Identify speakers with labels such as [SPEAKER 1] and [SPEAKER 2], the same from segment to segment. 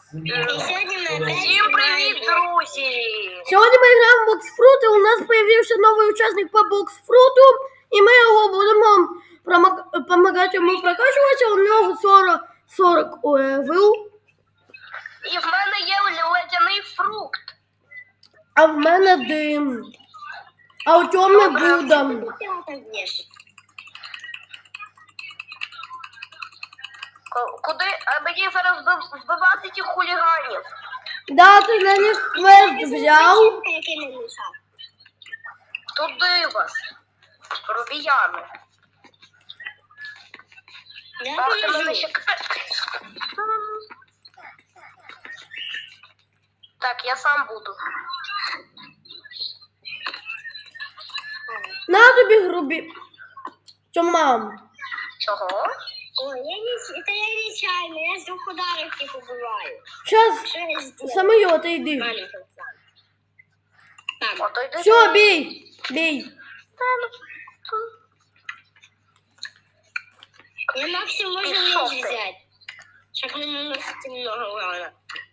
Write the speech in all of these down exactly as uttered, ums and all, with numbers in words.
[SPEAKER 1] Всім привіт, друзі!
[SPEAKER 2] Сьогодні ми граємо в Боксфрут, і у нас з'явився новий учасник по Боксфруту, і ми його будемо допомагати йому прокачуватися. У нього сорок, сорок левел.
[SPEAKER 1] І в мене є ледяний фрукт.
[SPEAKER 2] А в мене дим. А у Тьоми Будда.
[SPEAKER 1] Куди? А мені зараз вбивати тих хуліганів.
[SPEAKER 2] Да, ти на них квест взяв.
[SPEAKER 1] Туди вас. Робіяни. Ах, ти мене ще... Так, я сам буду.
[SPEAKER 2] На тобі грубі. Тьома.
[SPEAKER 1] Чого?
[SPEAKER 3] Ой, я не, это я нечаянно, я с двух ударов их убиваю.
[SPEAKER 2] Сейчас самолет, иди. Все, бей, бей.
[SPEAKER 3] Я максимум можно меч взять. Чтобы не наносить много урона.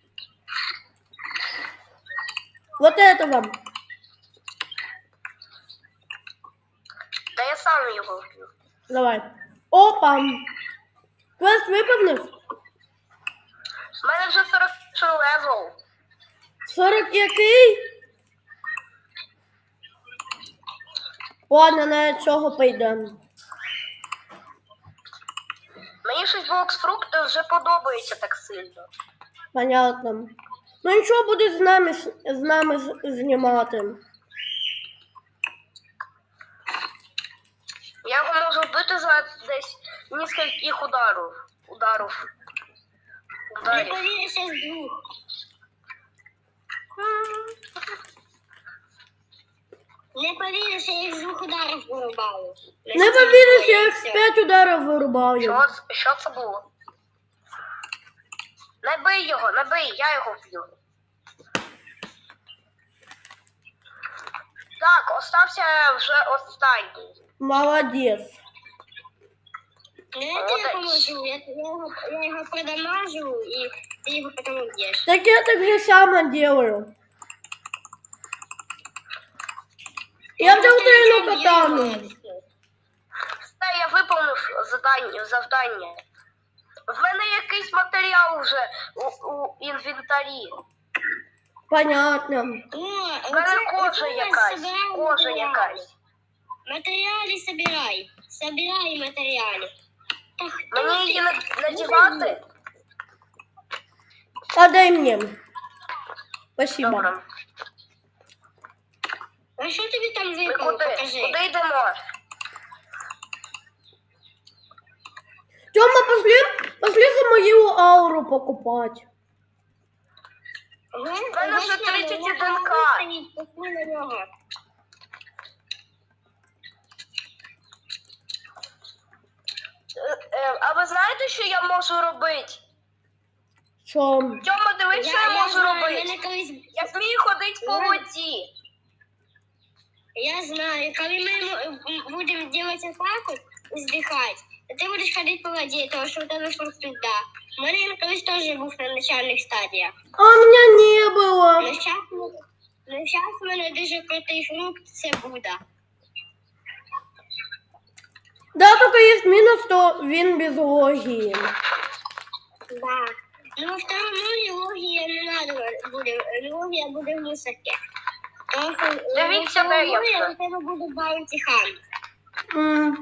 [SPEAKER 2] Вот это вам.
[SPEAKER 1] Да я сам его убью.
[SPEAKER 2] Давай. Опа. Квест виповнив?
[SPEAKER 1] У мене вже сорок левел.
[SPEAKER 2] сорок який? Ладно, на цього поїдемо.
[SPEAKER 1] Мені щось Боксфрукт вже подобається так сильно.
[SPEAKER 2] Понятно. Ну нічого, буде з нами, з нами знімати.
[SPEAKER 1] Я його можу вбити за десь нескольких ударів. Ударів.
[SPEAKER 3] Не повіриш, я з двох. Не повіриш, я їх з двох ударів вирубаю.
[SPEAKER 2] Не повіриш, я їх з п'ять ударів вирубаю.
[SPEAKER 1] Що, що це було? Не бий його, не бий, я його вб'ю. Так, остався вже останній.
[SPEAKER 2] Молодець.
[SPEAKER 3] Я тебе поможу, я, я, його, я його продамажу, і ти його потім уб'єш.
[SPEAKER 2] Так я так же само делаю. Я взяв тройну катану.
[SPEAKER 1] Все, я виповнив завдання. завдання. В мене якийсь матеріал вже у, у інвентарі.
[SPEAKER 2] Понятно.
[SPEAKER 3] О,
[SPEAKER 1] В мене кожа якась, кожа якась.
[SPEAKER 3] Матеріали собирай, собирай матеріали.
[SPEAKER 1] Мені її надівати?
[SPEAKER 2] А дай мне. Спасибо.
[SPEAKER 1] Добре.
[SPEAKER 3] А що тобі там
[SPEAKER 1] Ми
[SPEAKER 3] випало?
[SPEAKER 1] куди?
[SPEAKER 3] Покажи.
[SPEAKER 1] Куди йдемо?
[SPEAKER 2] Тёма, пошли, пошли за мою ауру покупать.
[SPEAKER 3] В
[SPEAKER 1] мене вже тридцять один ка. А ви знаєте, що я можу робити?
[SPEAKER 2] Що?
[SPEAKER 1] Тьома, дивись, що я, я можу
[SPEAKER 3] знаю,
[SPEAKER 1] робити.
[SPEAKER 3] колись...
[SPEAKER 1] Я вмію ходити по воді.
[SPEAKER 3] Я знаю, коли ми будемо робити атаку і здихати, то ти будеш ходити по воді, тому що у тебе фрукт да. У мене колись теж був на начальних стадіях.
[SPEAKER 2] А у меня не было.
[SPEAKER 3] Но зараз у мене дуже крутий фрукт, це Будда.
[SPEAKER 2] Да, только есть минус, то він без логії.
[SPEAKER 3] Да. Ну, во второму логія не надо буде, логія буде в мусорці. Тому що
[SPEAKER 1] Дивіться, де я
[SPEAKER 3] логія
[SPEAKER 1] вже.
[SPEAKER 3] у тебе буде баунті хан.
[SPEAKER 2] М.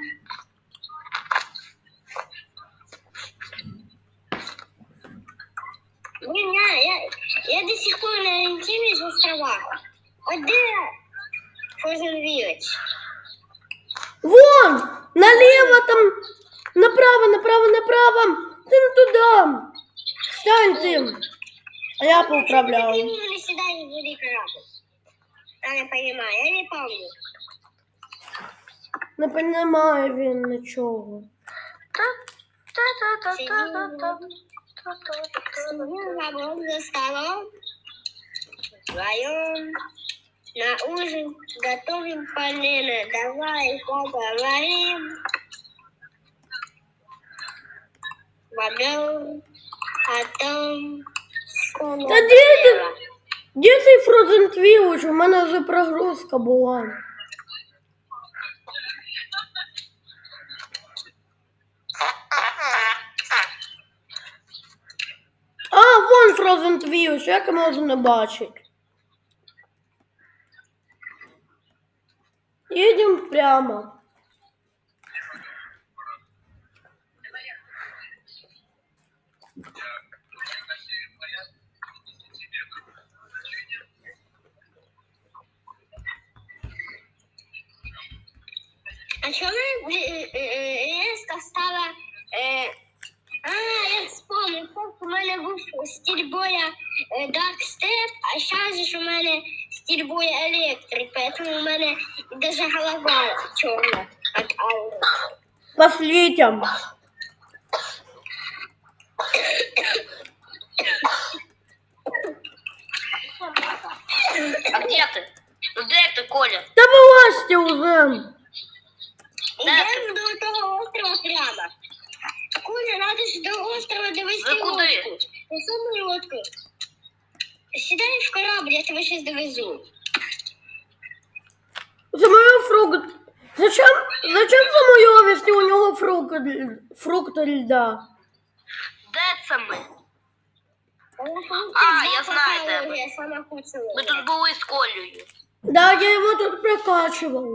[SPEAKER 3] Блин, я, я, я до сих пор не ориентируюсь в островах. А где Frozen Village?
[SPEAKER 2] Вон! Налево там! Направо, направо, направо! Ты не туда! Встань ты! А я поуправляю.
[SPEAKER 3] Почему ты сюда не буду корабль? Я не понимаю, я не помню.
[SPEAKER 2] Не понимаю він нічого.
[SPEAKER 3] Сидим за мной за столом, вдвоем, на ужин готовим полено. Давай поговорим. Поговорим о том,
[SPEAKER 2] Та де ти? Де цей Frozen Twilch? У мене вже прогрузка була. А, вон Frozen Twilch, як я можу не бачити. Їдемо прямо.
[SPEAKER 3] А чому резко стала... Е... А, я вспомнив, у мене був стиль боя е, Dark Step, а зараз ж у мене стиль боя Electric, поэтому у мене даже голова чорна від аури.
[SPEAKER 2] Пошлите.
[SPEAKER 1] А где ты? Ну где ты, Коля?
[SPEAKER 2] Та вилазьте уже.
[SPEAKER 3] Йдемо до того острова прямо. Коля, надо ж до острова довести
[SPEAKER 1] Ви куди?
[SPEAKER 3] лодку. Несу лодку. Сідай в корабль, я тебе сейчас довезу.
[SPEAKER 2] За мою фрукт. Зачем? Зачем за мою, если у нього фрукт, фрукт льда?
[SPEAKER 1] Де це ми? А, я знаю тебе.
[SPEAKER 3] Я сама хочу.
[SPEAKER 1] Ми тут були з Колею.
[SPEAKER 2] Да, я его тут прокачивал.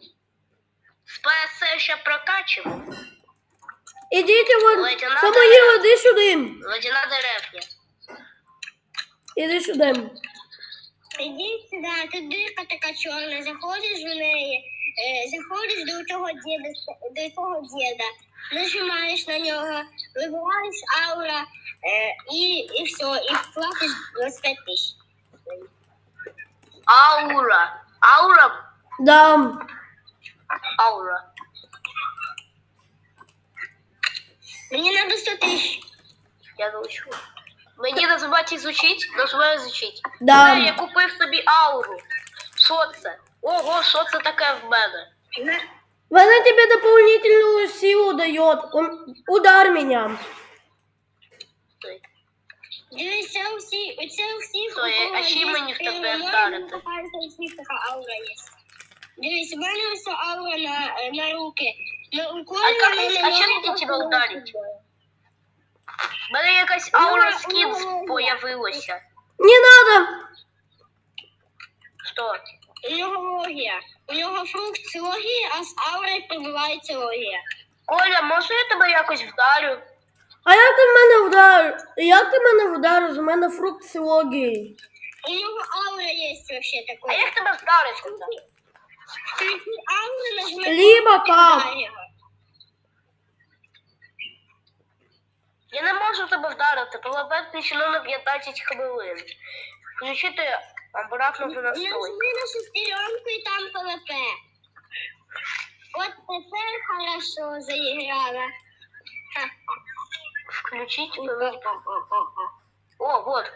[SPEAKER 1] Спасе ще прокачимо.
[SPEAKER 2] Ідіть вон,
[SPEAKER 1] Лейтенант
[SPEAKER 2] Самоїл, іди сюди.
[SPEAKER 1] Водяна деревня.
[SPEAKER 2] Іди сюди.
[SPEAKER 3] Іди сюди, тут дирка така чорна, заходиш в неї, е, заходиш до того діда, до того діда, нажимаєш на нього, вибираєш аура, е, і, і все, і платиш двадцять п'ять тисяч.
[SPEAKER 1] Аура. Аура.
[SPEAKER 2] Да.
[SPEAKER 1] Аура.
[SPEAKER 3] Мені треба сто тисяч.
[SPEAKER 1] Я научу. Мені називати изучить, називаю изучить.
[SPEAKER 2] Да.
[SPEAKER 1] Е, я купив собі ауру. Що це? Ого, що це таке в мене?
[SPEAKER 2] Она тебе дополнительную силу дает. Он- Удар меня.
[SPEAKER 3] Дивись, це всі, це всі,
[SPEAKER 1] Стой, а ще мені в тебе вдарити?
[SPEAKER 3] всіх така аура є. Дивись, у мене ось аура на, на руки. На, у
[SPEAKER 1] А як мені- а чим мені тебе вдарить? В мене якась аура скінс появилася.
[SPEAKER 2] Не надо.
[SPEAKER 1] Що?
[SPEAKER 3] У нього логія. У нього фрукт логії, а з аурою пробивається логія.
[SPEAKER 1] Коля, може я тебе якось вдарю?
[SPEAKER 2] А як ти мене вдарив? Як ти мене вдарив? У мене фрукт з логією.
[SPEAKER 3] У нього аура є взагалі
[SPEAKER 1] А
[SPEAKER 3] такої.
[SPEAKER 1] як тебе вдарити?
[SPEAKER 3] Ти ауру нажми.
[SPEAKER 2] Либо
[SPEAKER 3] і
[SPEAKER 2] как?
[SPEAKER 3] вдарь його.
[SPEAKER 1] Я не можу тебе вдарити, полабати ще на п'ятнадцять хвилин. Включити обратно в настрой.
[SPEAKER 3] Нажми на шестеренку і там ПВП. От тепер хорошо заіграла.
[SPEAKER 1] Включить ПВП. О, вот.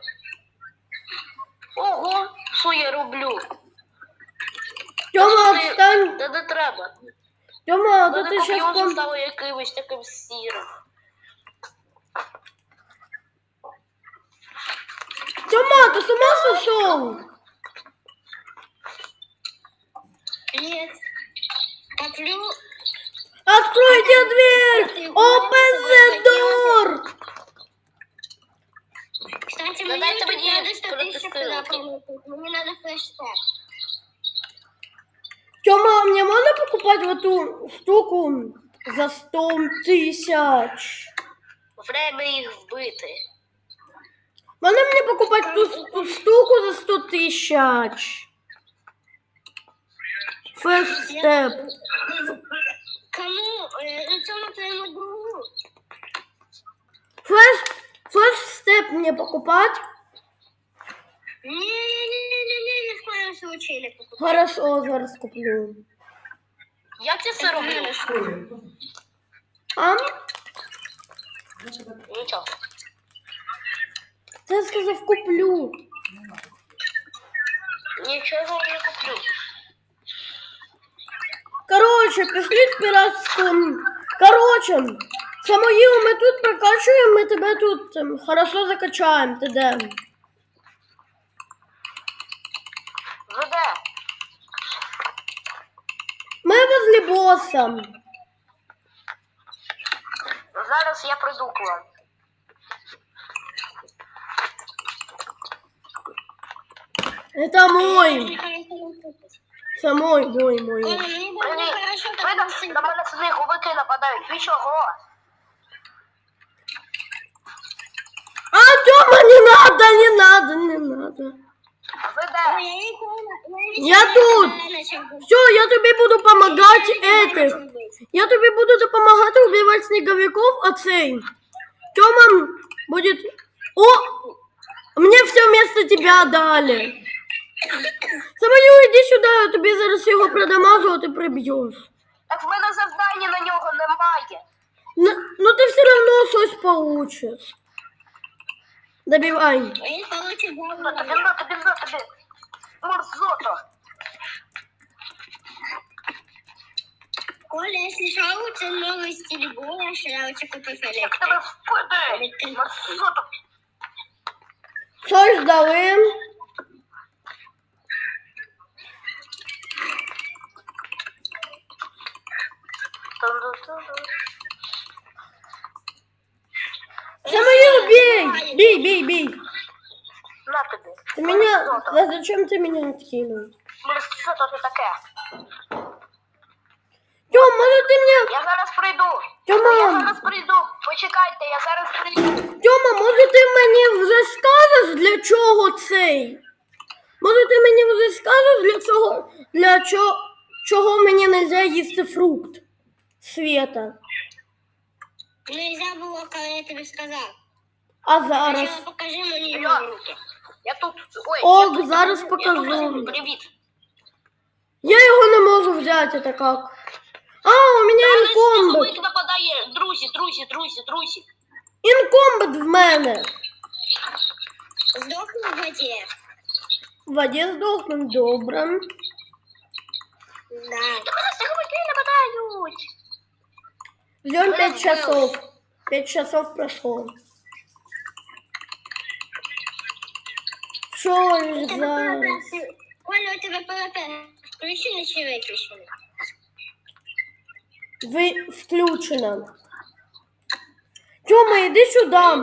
[SPEAKER 1] Ого, що я роблю?
[SPEAKER 2] Тьома,
[SPEAKER 1] Ти-
[SPEAKER 2] отстань.
[SPEAKER 1] Та не треба.
[SPEAKER 2] Тьома, а то
[SPEAKER 1] Мене
[SPEAKER 2] ти щас
[SPEAKER 1] коп'йон
[SPEAKER 2] пом...
[SPEAKER 1] стало якимось таким сірим.
[SPEAKER 2] Тьома, ти з ума сошел?
[SPEAKER 3] Нет. Коплю.
[SPEAKER 2] Откройте дверь! Open the door!
[SPEAKER 3] Кстати,
[SPEAKER 1] Ну,
[SPEAKER 3] мне
[SPEAKER 1] дайте
[SPEAKER 3] тут
[SPEAKER 1] мне
[SPEAKER 3] надо сто тысяч
[SPEAKER 1] протестировать.
[SPEAKER 3] туда положить. Мне надо флеш-тег.
[SPEAKER 2] Тьома, мне можно покупать в эту штуку за сто тысяч?
[SPEAKER 1] Время їх вбити.
[SPEAKER 2] Можно мне покупать ту, ту штуку за сто тысяч? First step.
[SPEAKER 3] Кому? Э, ну, цьому твоему другу.
[SPEAKER 2] First, first step мне покупать?
[SPEAKER 3] Не-не-не-не, ни в коем случае не покупай.
[SPEAKER 2] Хорошо, зараз куплю.
[SPEAKER 1] Як я це роблю?
[SPEAKER 2] А?
[SPEAKER 1] Нічого.
[SPEAKER 2] Я сказав куплю.
[SPEAKER 1] Нічого не куплю.
[SPEAKER 2] Короче, пішли в пиратську... Короче, Самоїл, ми тут прокачуємо, ми тебе тут ем, хорошо закачаємо. Ти де?
[SPEAKER 1] Ви де?
[SPEAKER 2] Ми возле боса.
[SPEAKER 1] Зараз я прийду к вам.
[SPEAKER 2] Это мой. Це мой, мой, мой.
[SPEAKER 3] Коля, мені було
[SPEAKER 1] Привіт.
[SPEAKER 3] хорошо,
[SPEAKER 1] Ви
[SPEAKER 3] тому
[SPEAKER 1] там
[SPEAKER 3] що
[SPEAKER 1] на мене сниговики нападають. Ви чого?
[SPEAKER 2] А, Тёма, не надо, не надо, не надо.
[SPEAKER 1] Ви
[SPEAKER 3] Ой,
[SPEAKER 1] де?
[SPEAKER 3] я ніколи- я
[SPEAKER 2] Я
[SPEAKER 3] нічого
[SPEAKER 2] тут.
[SPEAKER 3] не почав бути.
[SPEAKER 2] Все, я тобі буду помогати
[SPEAKER 3] Я
[SPEAKER 2] этих.
[SPEAKER 3] почав бути.
[SPEAKER 2] Я тобі буду допомагати убивати снеговиков, а цей. Тёма будет... О! Мне все вместо тебя дали. Самолю, иди сюда, я тобі зараз його продамажу, а ти приб'єш.
[SPEAKER 1] Так в мене завдання на нього немає.
[SPEAKER 2] Ну, ну ти все равно щось получиш. Добивай.
[SPEAKER 3] Він получить
[SPEAKER 1] На тобі,
[SPEAKER 3] голову.
[SPEAKER 1] на тобі, на тобі. Мерзота.
[SPEAKER 3] Коля, якщо що, це новий стиль боя, що я хочу купити
[SPEAKER 1] Як
[SPEAKER 3] електрику.
[SPEAKER 1] тебе впаде. Мерзота.
[SPEAKER 2] Щось дали. Самолю, бей! Бей, бей, бей.
[SPEAKER 1] На тобі.
[SPEAKER 2] Ты меня...
[SPEAKER 1] Мерзота.
[SPEAKER 2] Да зачем ты меня откинул?
[SPEAKER 1] Мерзота ти таке.
[SPEAKER 2] Тём, может ты мне...
[SPEAKER 1] Я зараз прийду.
[SPEAKER 2] Тьома!
[SPEAKER 1] Я зараз прийду. Почекайте, я зараз прийду.
[SPEAKER 2] Тьома, може ти мені вже скажеш, для чого цей? Може ти мені вже скажеш, для чого, для чого, чого мені не можна їсти фрукт? Света.
[SPEAKER 3] Нельзя було, коли я тобі сказав.
[SPEAKER 2] А зараз?
[SPEAKER 3] Спочатку покажи мені
[SPEAKER 1] Я-
[SPEAKER 3] його руки.
[SPEAKER 1] Я тут. Ой,
[SPEAKER 2] О,
[SPEAKER 1] я тут.
[SPEAKER 2] зараз
[SPEAKER 1] Я
[SPEAKER 2] покажу.
[SPEAKER 1] тут. Привіт.
[SPEAKER 2] Я його не можу взяти, это как? А, у мене
[SPEAKER 1] Зараз
[SPEAKER 2] інкомбет.
[SPEAKER 1] сніговик нападає. Друзі, друзі, друзі, друзі.
[SPEAKER 2] Інкомбет в мене.
[SPEAKER 3] Здохни в воді.
[SPEAKER 2] В воді здохнув, добре.
[SPEAKER 3] Да.
[SPEAKER 1] Та мене сніговики нападають.
[SPEAKER 2] Ждем пять часов. Пять часов прошло. Що
[SPEAKER 3] У тебе
[SPEAKER 2] зараз?
[SPEAKER 3] ПВП. Коля, у тебе ПВП. Включений чи виключений?
[SPEAKER 2] Ви включено. Тёма, иди сюда.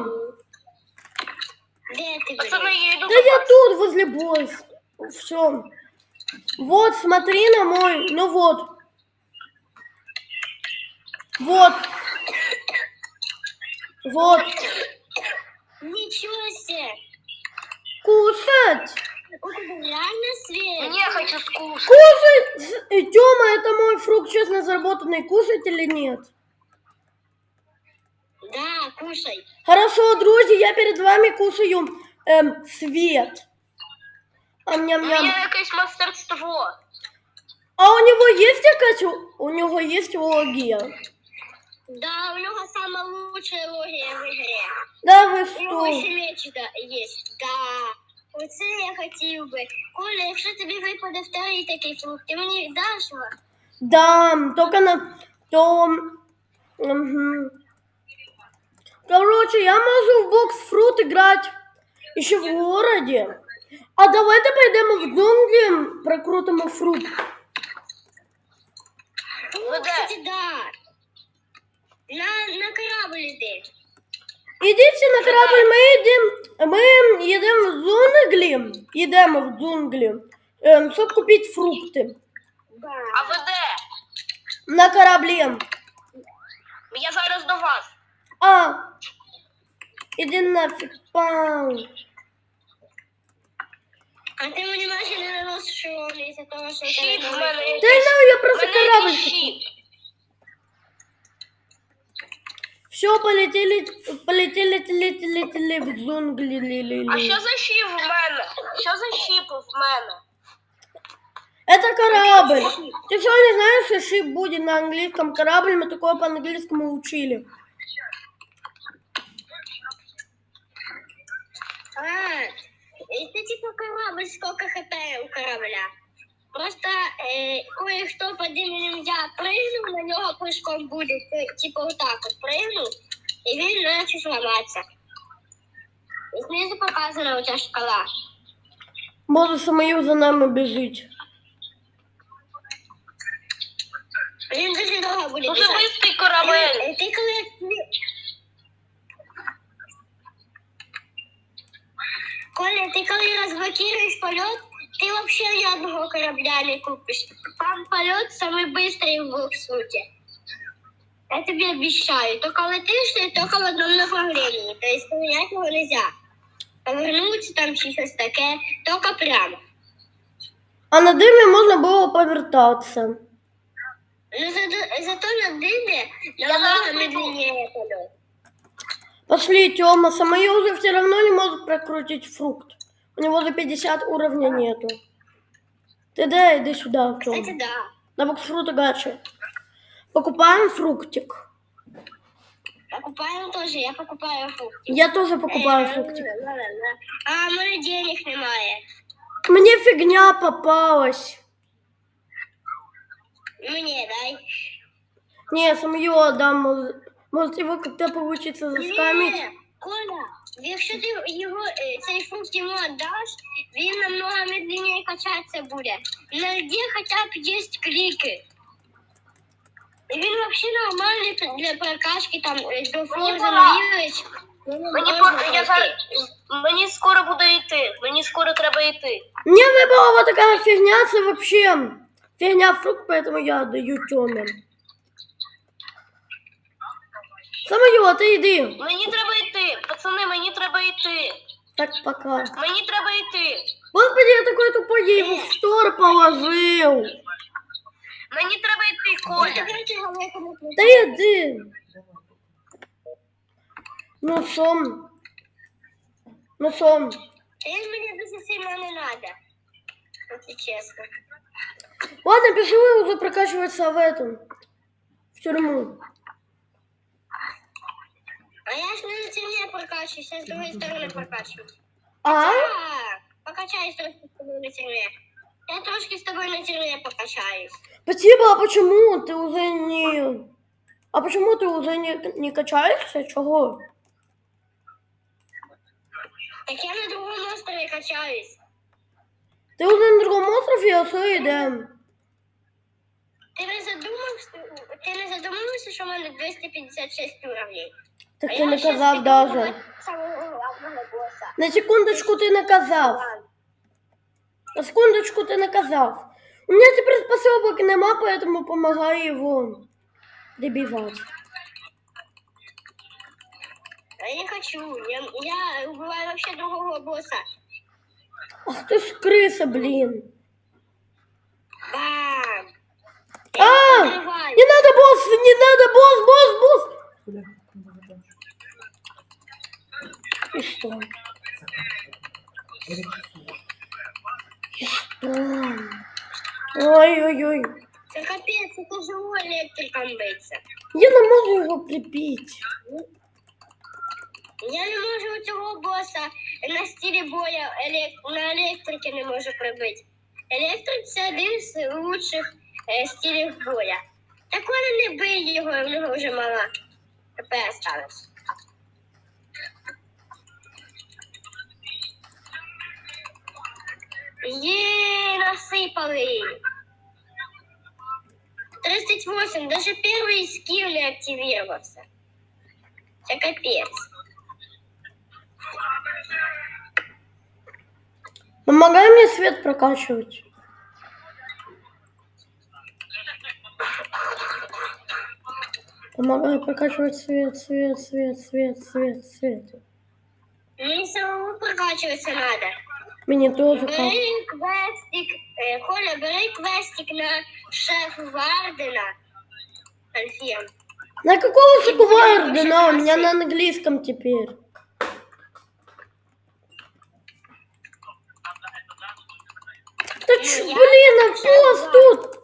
[SPEAKER 3] Де ти,
[SPEAKER 1] Пацани,
[SPEAKER 3] блін?
[SPEAKER 1] я йду
[SPEAKER 2] Да
[SPEAKER 1] до
[SPEAKER 2] я
[SPEAKER 1] вас.
[SPEAKER 2] тут, возле босса. Все. Вот, смотри на мой. Ну вот. Вот. Вот.
[SPEAKER 3] Нічого себе.
[SPEAKER 2] Кушать.
[SPEAKER 3] У тебе реально світ?
[SPEAKER 1] Мені я хочу скушать.
[SPEAKER 2] Кушать. Тёма, это мой фрукт честно заработанный. Кушать или нет?
[SPEAKER 3] Да, кушай.
[SPEAKER 2] Хорошо, друзья, я перед вами кушаю эм, свет.
[SPEAKER 1] У
[SPEAKER 2] Ам-ням-ням.
[SPEAKER 1] мене якесь мастерство.
[SPEAKER 2] А у него есть якась... У него есть логия?
[SPEAKER 3] Да, у нього сама лучшая логія в ігрі.
[SPEAKER 2] Да вы
[SPEAKER 3] У нього
[SPEAKER 2] что?
[SPEAKER 3] ще меч да, є. Да. Оце я хотів би. Коля, якщо тобі випаде вторий такий фрукт, ти мені даш його?
[SPEAKER 2] Да, только на... То... Мгм. Короче, я могу в бокс-фрут играть еще в городе. А давайте пойдем в джунгли, прокрутим фрукт.
[SPEAKER 3] О,
[SPEAKER 1] Ну, де?
[SPEAKER 3] кстати, да. На, на корабль йди.
[SPEAKER 2] Идите на корабль, мы едем, мы едем в джунгли, едем в джунгли, эм, чтобы купить фрукты.
[SPEAKER 3] Да.
[SPEAKER 1] А ви де?
[SPEAKER 2] На корабле.
[SPEAKER 1] Я зараз до вас.
[SPEAKER 2] А, иди нафиг, пау.
[SPEAKER 3] А ти мені майже не наносиш шолом із-за того, що
[SPEAKER 1] Щит
[SPEAKER 3] тебе
[SPEAKER 1] в
[SPEAKER 3] немає.
[SPEAKER 1] мене
[SPEAKER 2] Да
[SPEAKER 1] якийсь.
[SPEAKER 2] ну, я
[SPEAKER 1] В
[SPEAKER 2] просто
[SPEAKER 1] мене
[SPEAKER 2] корабль.
[SPEAKER 1] якийсь щит.
[SPEAKER 2] Все, полетели, полетели, полетели, полетели в джунгли. ли-ли-ли.
[SPEAKER 1] А що за щіп в мене? Що за щіп в мене?
[SPEAKER 2] Это корабль. Ты что, не знаешь, что шип будет на английском корабль? Мы такое по-английскому учили.
[SPEAKER 3] А, це типу корабль, сколько хп у корабля. Просто е, кое-хто по імені я пригнув, на нього прыжком буде, типу отак от пригнув, і він почав ламатися. І знизу показана у тебе шкала.
[SPEAKER 2] Може, Самоїл за нами біжить.
[SPEAKER 3] Він дуже довго буде
[SPEAKER 1] Дуже
[SPEAKER 3] біжати.
[SPEAKER 1] швидкий корабель.
[SPEAKER 3] Е, Ти коли... Коля, ти коли розблокуєш польот, ти взагалі ні одного корабля не купиш. Там польот самий быстрый в світі. Я тобі обіцяю. Тільки летиш ти тільки в одному направлении. То есть поменять його нельзя. Повернутися там чи щось таке, тільки прямо.
[SPEAKER 2] А на димі можна було повертатися.
[SPEAKER 3] Ну, зато, зато на дыме
[SPEAKER 1] Я
[SPEAKER 3] намного
[SPEAKER 1] зараз прийду.
[SPEAKER 3] медленнее полет.
[SPEAKER 2] Пошли, Тёма, Самоил уже все равно не может прокрутить фрукт. У него за пятьдесят уровня нету. Ты дай, иди сюда, Тёма.
[SPEAKER 3] Кстати, да.
[SPEAKER 2] На боксфрута гачи. Покупаем фруктик.
[SPEAKER 3] Покупаем тоже, я покупаю фрукты.
[SPEAKER 2] Я тоже покупаю
[SPEAKER 3] Э,
[SPEAKER 2] фруктик.
[SPEAKER 3] ла-ла-ла. А у мене денег немає.
[SPEAKER 2] Мне фигня попалась.
[SPEAKER 3] Мені дай.
[SPEAKER 2] Не, Самоил отдам. Может, может его как-то получится заскамить.
[SPEAKER 3] Ні, Коля, якщо ти його, е, цей фрукт йому віддаш, він намного медленніше качатися буде. Найди хоча б є кліки. І він взагалі нормальний для прокачки, там, е, до Форза
[SPEAKER 1] пора.
[SPEAKER 3] Новілич.
[SPEAKER 1] Мені, по- я зараз, мені скоро буде йти. Мені скоро треба йти.
[SPEAKER 2] Мне выпала вот такая фигня, это вообще фигня фрукт, поэтому я даю Тёме. Самоил, а ты иди.
[SPEAKER 1] Мені треба йти. Пацани, мені треба йти.
[SPEAKER 2] Так, пока.
[SPEAKER 1] Мені треба йти.
[SPEAKER 2] Господи, я такой тупой, я его в стор положил.
[SPEAKER 1] Мені треба йти,
[SPEAKER 3] Я
[SPEAKER 1] Коля.
[SPEAKER 3] тебе цього не
[SPEAKER 2] Да иди. Ну, сом. Ну, сом.
[SPEAKER 3] Він мені дуже сильно не надо. Если честно.
[SPEAKER 2] Ладно, пішли уже прокачиваться в этом. В тюрьму.
[SPEAKER 3] А я ж не на темне прокачиваюсь, я с другой стороны прокачиваюсь.
[SPEAKER 2] А?
[SPEAKER 3] Так, покачаюсь трошки с тобой на терме. Я трошки с тобой на терме покачаюсь.
[SPEAKER 2] Спасибо, а почему ты уже не... А почему ты уже не, не качаешься? Чего?
[SPEAKER 3] Так я на другом острове качаюсь.
[SPEAKER 2] Ты уже на другом острове, а все идем.
[SPEAKER 3] Ти не задумався, ти не задумався, що в мене двісті п'ятдесят шість уровней?
[SPEAKER 2] Так
[SPEAKER 3] А
[SPEAKER 2] ты
[SPEAKER 3] я
[SPEAKER 2] наказав
[SPEAKER 3] щас піду
[SPEAKER 2] даже.
[SPEAKER 3] вбивати самого главного босса.
[SPEAKER 2] На секундочку ты наказав. На секундочку ты наказав. У меня теперь способок нема, поэтому помогаю его добивать.
[SPEAKER 3] А я не хочу, я, я убиваю вообще другого босса.
[SPEAKER 2] Ах ты ж крыса, блин.
[SPEAKER 3] Бам!
[SPEAKER 2] А!
[SPEAKER 3] Я взрываю.
[SPEAKER 2] Не надо, босс, не надо, босс, босс, босс. И что? И что? Ой-ой-ой.
[SPEAKER 3] Це капець, це тяжело електриком биться.
[SPEAKER 2] Я не можу його прибити.
[SPEAKER 3] Я не можу цього боса на стилі боя елек... на електриці не можу прибити. Електрик це один з лучших е, стилів боя. Так вони не бий його, в нього вже мало ХП осталось. Є, насипали. тридцать восемь, даже первый скилл не активировался. Это капец.
[SPEAKER 2] Помогай мне свет прокачивать. Помогай прокачивать свет, свет, свет, свет, свет, свет.
[SPEAKER 3] Мне самому прокачиваться надо.
[SPEAKER 2] Мне тоже как.
[SPEAKER 3] Бери квестик, э, Коля, бери квестик на шеф Вардена. Альфем.
[SPEAKER 2] На какого же
[SPEAKER 3] И будем
[SPEAKER 2] Гвардена? У
[SPEAKER 3] вообще
[SPEAKER 2] меня на
[SPEAKER 3] носить.
[SPEAKER 2] английском теперь. Да
[SPEAKER 3] Ну,
[SPEAKER 2] ч,
[SPEAKER 3] я
[SPEAKER 2] блин, а
[SPEAKER 3] прокачала
[SPEAKER 2] босс
[SPEAKER 3] два.
[SPEAKER 2] тут?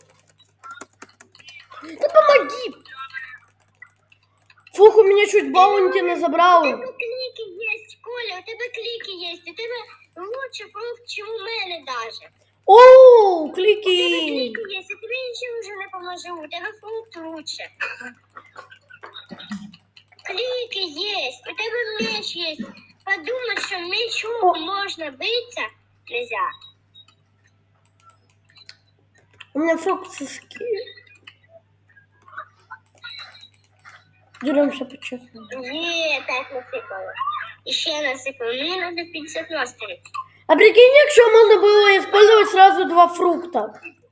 [SPEAKER 2] Да помоги. Фух, у меня чуть баунти не
[SPEAKER 3] У
[SPEAKER 2] забрал.
[SPEAKER 3] тебе клики есть, Коля, у тебе клики есть. У тебе лучше фрукт, чем у мене даже.
[SPEAKER 2] О,
[SPEAKER 3] У тебе
[SPEAKER 2] клики.
[SPEAKER 3] кліки є, я тобі нічим вже не поможу, у тебе фрукт лучше. Клики є, у тебе меч є. Подумай, що мечом
[SPEAKER 2] О.
[SPEAKER 3] можна битися, нельзя.
[SPEAKER 2] У меня фрукт соски. Деремся по-честному.
[SPEAKER 3] Є, так насипало. І ще насипало. Мені треба п'ятдесят мастерів.
[SPEAKER 2] А прикинь, якщо можно было использовать сразу два фрукта.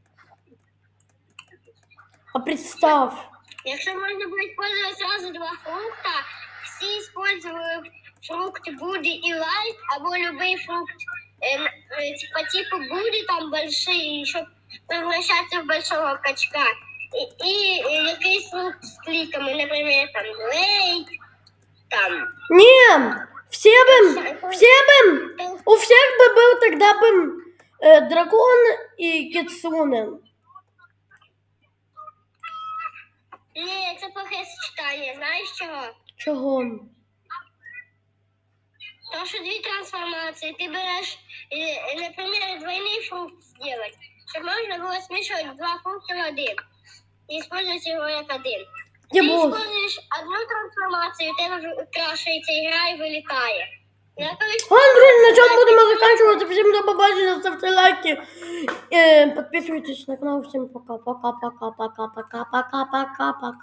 [SPEAKER 2] А представь.
[SPEAKER 3] Якщо можна було использовать сразу два фрукта, всі использовали фрукт Буди і Лайт, або любий фрукт э, э, по типу Буди, там большие, щоб превращаться в большого качка. І, і э, якийсь фрукт з кликами, наприклад, там Лейт, там.
[SPEAKER 2] Не, все бы, все бы, у всех бы был тогда бы э, дракон и кицуне.
[SPEAKER 3] Ні, це плохе сочетання, знаєш чого?
[SPEAKER 2] Чего?
[SPEAKER 3] Тому що дві трансформації. Ти береш, е, наприклад, двойний фрукт зробити, щоб можна було змішувати два фрукти в один. І використовувати його як один.
[SPEAKER 2] Я
[SPEAKER 3] Ти
[SPEAKER 2] босс.
[SPEAKER 3] використовуєш одну трансформацію, у тебе крашується ігра і вилітає. Я колись-
[SPEAKER 2] Ладно, друзья, на чем будем заканчивать. Всем до побачення, ставьте лайки. Э, подписывайтесь на канал. Всем пока, пока, пока, пока, пока, пока, пока, пока.